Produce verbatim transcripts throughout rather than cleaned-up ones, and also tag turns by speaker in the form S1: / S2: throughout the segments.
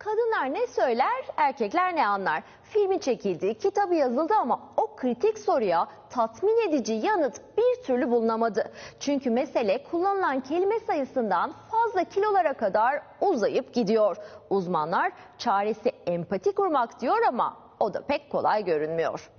S1: Kadınlar ne söyler, erkekler ne anlar? Filmi çekildi, kitabı yazıldı ama o kritik soruya tatmin edici yanıt bir türlü bulunamadı. Çünkü mesele kullanılan kelime sayısından fazla kilolara kadar uzayıp gidiyor. Uzmanlar çaresi empati kurmak diyor ama o da pek kolay görünmüyor.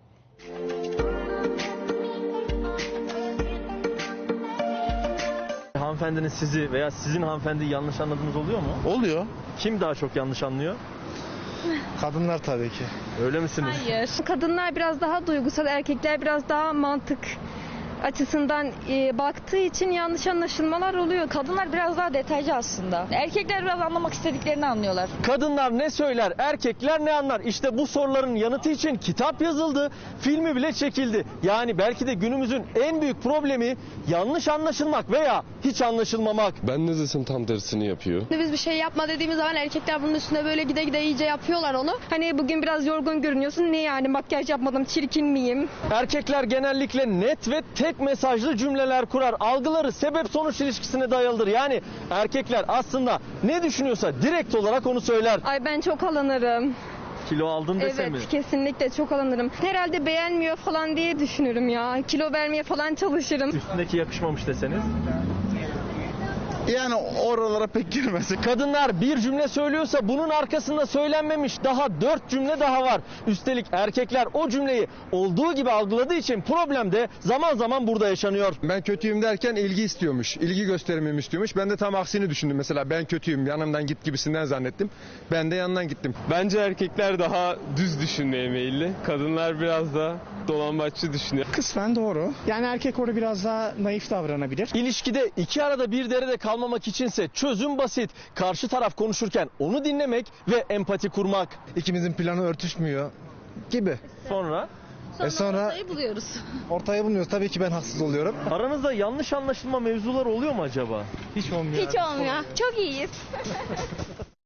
S2: Hanımefendinin sizi veya sizin hanımefendiyi yanlış anladığınız oluyor mu?
S3: Oluyor.
S2: Kim daha çok yanlış anlıyor?
S3: Kadınlar tabii ki.
S2: Öyle misiniz?
S4: Hayır. Kadınlar biraz daha duygusal, erkekler biraz daha mantık açısından e, baktığı için yanlış anlaşılmalar oluyor.
S5: Kadınlar biraz daha detaycı aslında. Erkekler biraz anlamak istediklerini anlıyorlar.
S2: Kadınlar ne söyler, erkekler ne anlar? İşte bu soruların yanıtı için kitap yazıldı, filmi bile çekildi. Yani belki de günümüzün en büyük problemi yanlış anlaşılmak veya hiç anlaşılmamak.
S6: Ben ne desem tam tersini yapıyor.
S4: Biz bir şey yapma dediğimiz zaman erkekler bunun üstüne böyle gide gide iyice yapıyorlar onu. Hani bugün biraz yorgun görünüyorsun. Ne yani, makyaj yapmadım, çirkin miyim?
S2: Erkekler genellikle net ve tek mesajlı cümleler kurar. Algıları sebep sonuç ilişkisine dayalıdır. Yani erkekler aslında ne düşünüyorsa direkt olarak onu söyler.
S4: Ay ben çok alınırım.
S2: Kilo aldın dese
S4: Evet,
S2: mi?
S4: kesinlikle çok alınırım. Herhalde beğenmiyor falan diye düşünürüm ya. Kilo vermeye falan çalışırım.
S2: Üstündeki yakışmamış deseniz.
S3: Yani oralara pek girmez.
S2: Kadınlar bir cümle söylüyorsa bunun arkasında söylenmemiş daha dört cümle daha var. Üstelik erkekler o cümleyi olduğu gibi algıladığı için problem de zaman zaman burada yaşanıyor.
S7: Ben kötüyüm derken ilgi istiyormuş. İlgi göstermemi istiyormuş. Ben de tam aksini düşündüm. Mesela ben kötüyüm, yanımdan git gibisinden zannettim. Ben de yanından gittim.
S6: Bence erkekler daha düz düşünmeye meyilli. Kadınlar biraz da dolambaççı düşünüyor.
S8: Kısmen doğru. Yani erkek orada biraz daha naif davranabilir.
S2: İlişkide iki arada bir derede kalmamak içinse çözüm basit. Karşı taraf konuşurken onu dinlemek ve empati kurmak.
S3: İkimizin planı örtüşmüyor gibi.
S2: Sonra
S3: E sonra
S5: Ortayı buluyoruz.
S3: ortaya bulunuyoruz. Tabii ki ben haksız oluyorum.
S2: aranızda yanlış anlaşılma mevzuları oluyor mu acaba? Hiç olmuyor.
S4: Hiç olmuyor. Çok iyiyiz.